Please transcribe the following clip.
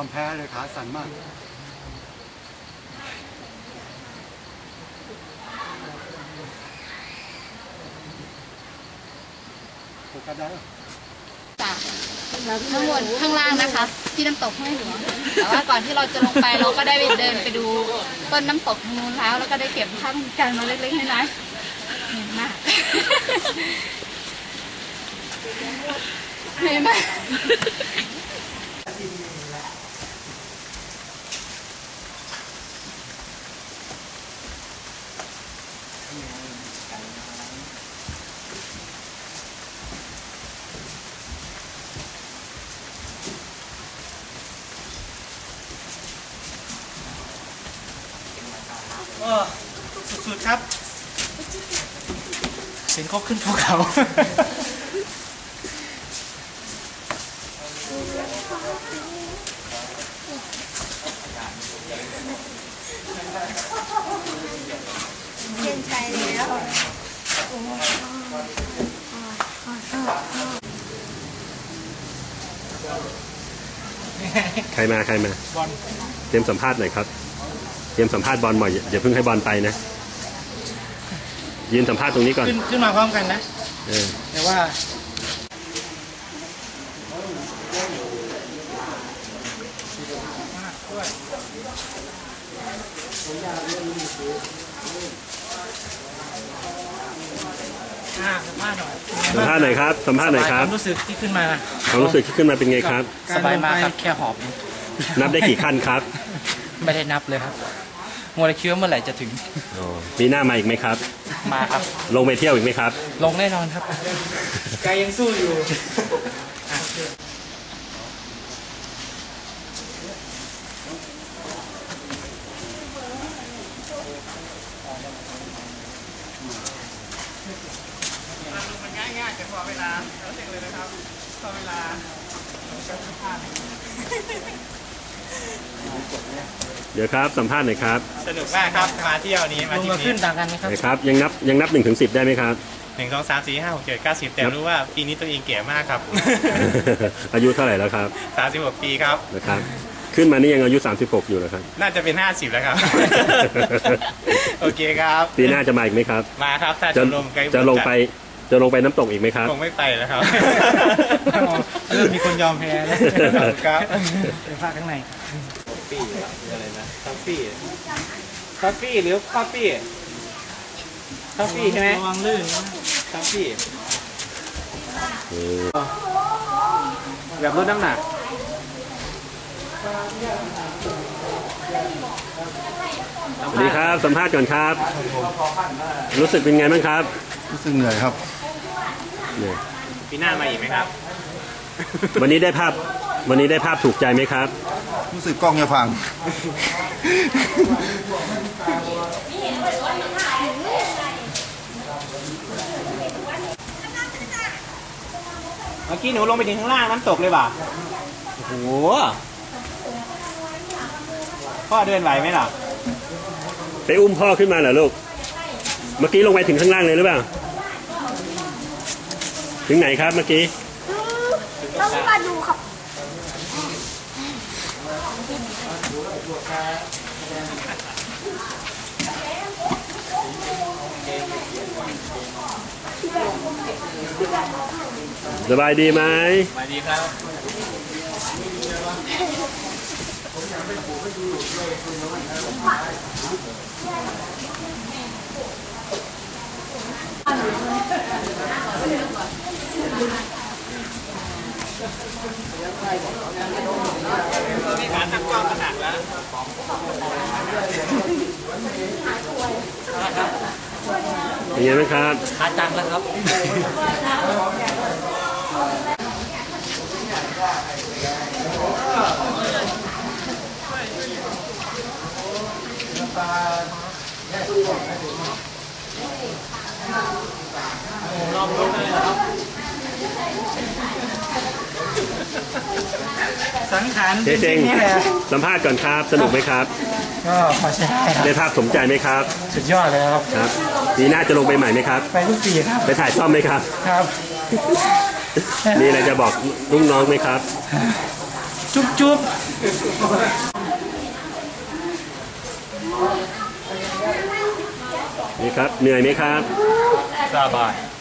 อมแพ้เลยขาสั่นมากโฟกัสได้จากข้างบนข้างล่างนะคะที่น้ำตกห้วยหัวแต่ว่าก่อนที่เราจะลงไปเราก็ได้เดินไปดูต้นน้ำตกทางนู้นแล้วก็ได้เก็บภาพกันมาเล็กๆน้อยๆเหนื่อยมากเหนื่อยมากสุดๆครับเห็นเขาขึ้นภูเขาเย็นใจแล้วใครมาบอลเตรียมสัมภาษณ์หน่อยครับเตรียมสัมภาษณ์บอลบ่อยอย่าเพิ่งให้บอลไปนะยืนสัมภาษณ์ตรงนี้ก่อนขึ้นมาพร้อมกันนะแต่ว่าสัมภาษณ์หน่อยครับสัมภาษณ์หน่อยครับความรู้สึกที่ขึ้นมาเป็นไงครับสบายมากครับแค่หอบนับได้กี่ขั้นครับไม่ได้นับเลยครับมัวแต่คิดว่าเมื่อไหร่จะถึงปีหน้ามาอีกไหมครับมาครับลงไปเที่ยวอีกไหมครับลงแน่นอนครับใจยังสู้อยู่มันง่ายๆแต่พอเวลาเราเสร็จเลยนะครับพอเวลาเดี๋ยวครับสัมภาษณ์หน่อยครับสนุกมากครับมาเที่ยวนี้มาที่นี่ขึ้นต่างกันไหมครับยังนับ1 ถึง 10ได้ไหมครับ 1 2 3 4 5 6 7 9 10แต่รู้ว่าปีนี้ตัวเองแก่มากครับอายุเท่าไหร่แล้วครับ 36 ปีครับนะครับขึ้นมานี่ยังอายุ36อยู่นะครับน่าจะเป็น50แล้วครับโอเคครับปีหน้าจะมาอีกไหมครับมาครับถ้าจะลงไปน้ำตกอีกไหมครับคงไม่ไปแล้วครับเริ่มมีคนยอมแพ้แล้วครับเป็นภาคข้างในปี้อะไรนะคาฟี่หรือคาฟี่ใช่ไหมระวังลื่นคาฟี่แบบลดน้ำหนักสวัสดีครับสัมภาษณ์ก่อนครับรู้สึกเป็นไงบ้างครับรู้สึกเหนื่อยครับปีหน้ามาอีกไหมครับวันนี้ได้ภาพถูกใจไหมครับรู้สึกกล้องจะพังเมื่อกี้หนูลงไปถึงข้างล่างน้ำตกเลยป่ะโอ้โหพ่อเดินไหวไหมล่ะไปอุ้มพ่อขึ้นมาเหรอลูกเมื่อกี้ลงไปถึงข้างล่างเลยหรือเปล่าถึงไหนครับเมื่อกี้ต้องมาดูครับสบายดีไหมสบายดีครับมีการตั้งกล้องขนาดแล้วเป็นไงบ้างครับหาตังค์แล้วครับรอบรู้เลยครับสังขารจริงๆสัมภาษณ์ก่อนครับสนุกไหมครับก็พอใช้ได้ครับได้ภาพสมใจไหมครับสุดยอดเลยครับปีหน้าจะลงไปใหม่ไหมครับไปทุกปีครับไปถ่ายซ่อมไหมครับครับมีอะไรจะบอกลูกน้องไหมครับจุ๊บจุ๊บนี่ครับเหนื่อยไหมครับสบาย